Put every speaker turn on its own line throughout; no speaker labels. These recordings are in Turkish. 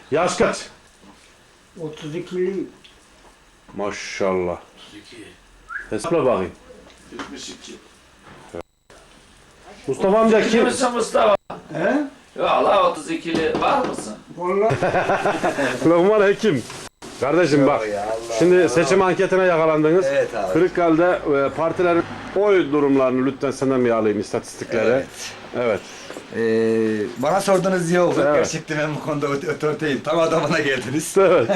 Yaş kaç?
32'li.
Maşallah.
32.
Hesapla bakayım.
72.
Mustafa amca
Kim
kim?
misin Mustafa?
He?
Valla 32'li var mısın?
Vallahi
Lokman Hekim. Kardeşim bak. Şimdi seçim anketine yakalandınız.
Evet abi.
Kırıkkale'de partilerin oy durumlarını lütfen senden bir alayım istatistikleri.
Evet.
Evet.
Bana sordunuz iyi oldu.
Evet.
Gerçekten ben bu konuda otoriteyim. Tam adamına geldiniz.
Evet.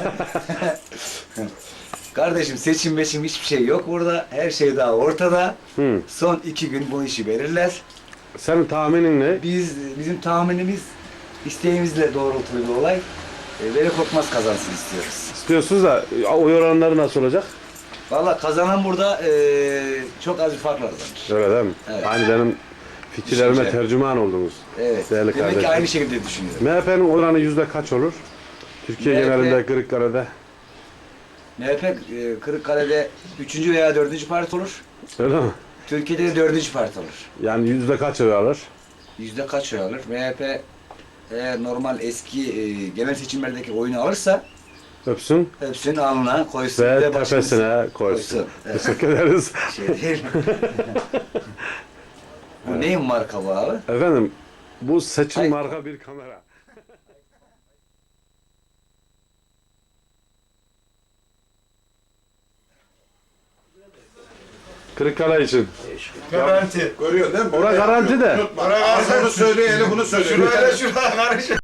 Kardeşim seçim hiçbir şey yok burada. Her şey daha ortada.
Hı.
Son 2 gün bu işi verirler.
Senin tahminin ne?
Bizim tahminimiz isteğimizle doğrultulu bir olay. Veli Korkmaz kazansın istiyoruz.
İstiyorsunuz da oy oranları nasıl olacak?
Valla kazanan burada çok az bir farkla kazanır.
Öyle değil mi?
Evet.
Aynı benim fikirlerime
Düşünce.
tercüman oldunuz.
Evet.
Değerli
Demek
kardeşim.
ki aynı şekilde düşünüyorum.
MHP'nin oranı yüzde kaç olur? Türkiye
MHP
genelinde Kırıkkale'de.
MHP Kırıkkale'de 3. veya 4. parti olur.
Öyle mi?
Türkiye'de de 4. parti olur.
Yani yüzde kaç oy alır?
Yüzde kaç oy alır? MHP eğer normal eski genel seçimlerdeki oyunu alırsa
Öpsün
hepsini alnına koysun.
ve
bir de başımız
tepesine koysun.
Evet.
Teşekkür ederiz.
Şey değil. Bu neyin marka bu abi?
Efendim, bu seçim
Ay-
marka bir kamera. Kırıkkale için.
Garanti.
Görüyor değil mi?
Ora garanti de.
Unutma. Ağzını söyle, eli bunu söyle.
Şuraya karışık.